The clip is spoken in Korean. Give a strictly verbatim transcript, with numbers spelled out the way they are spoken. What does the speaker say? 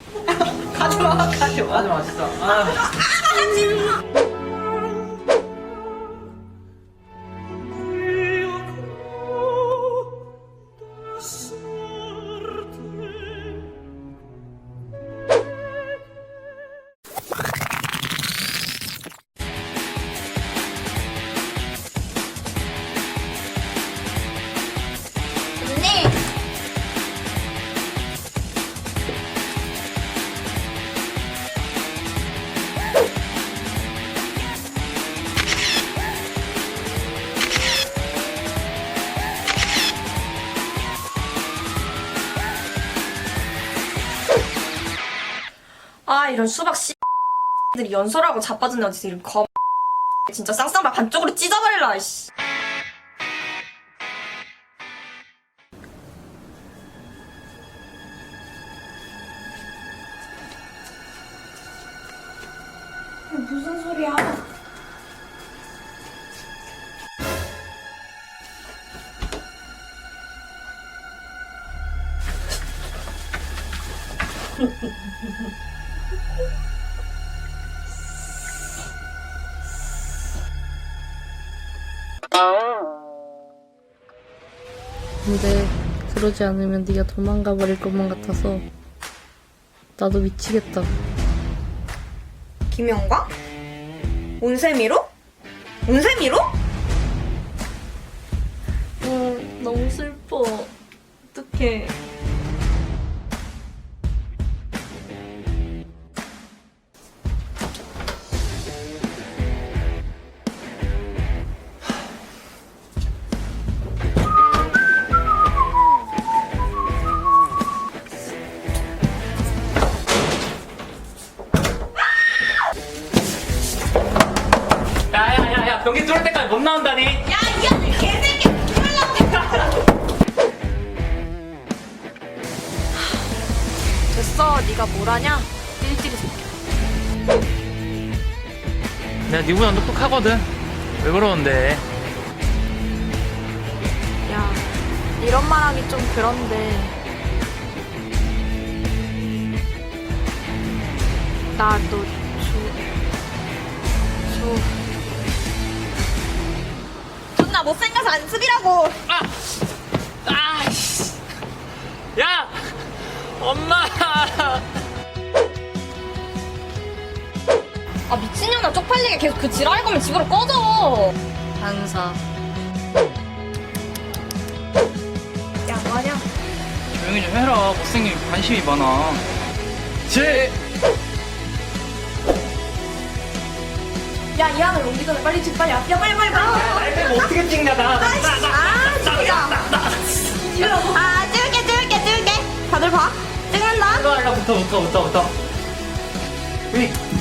가지마 가지마 하지마 진짜. 아. 가지마. 아 이런 수박 씨들이 연설하고 자빠졌네. 어디서 이런 검 진짜 쌍쌍발 반쪽으로 찢어버릴라 이씨. 무슨 소리야? 근데 그러지 않으면 네가 도망가 버릴 것만 같아서 나도 미치겠다. 김영광? 온세미로? 온세미로? 응, 너무 슬퍼. 어떡해. 야야야야 변기 뚫을 때까지 못 나온다니. 야 이 개새끼 됐어. 네가 뭘 하냐? 띨띨이 새끼야. 내가 니보다 똑똑하거든. 왜 그러는데? 야 이런 말 하기 좀 그런데 나 너 줘. 줘. 존나 못생겨서 안습이라고. 아! 아이씨! 야! 엄마! 아 미친년아 쪽팔리게 계속 그 지랄 거면 집으로 꺼져. 반사. 야 뭐하냐? 조용히 좀 해라. 못생긴 관심이 많아. 제! 야 이 안을 옮기 전에 빨리 집 빨리 야 빨리 빨리 빨리. 날 빼고 어떻게 찍냐, 나. 나, 나, 아 진짜. 아 찍을게 찍을게 찍을게. 다들 봐. 찍는다. 나, 나, 붙어, 붙어, 붙어, 붙어. 우리.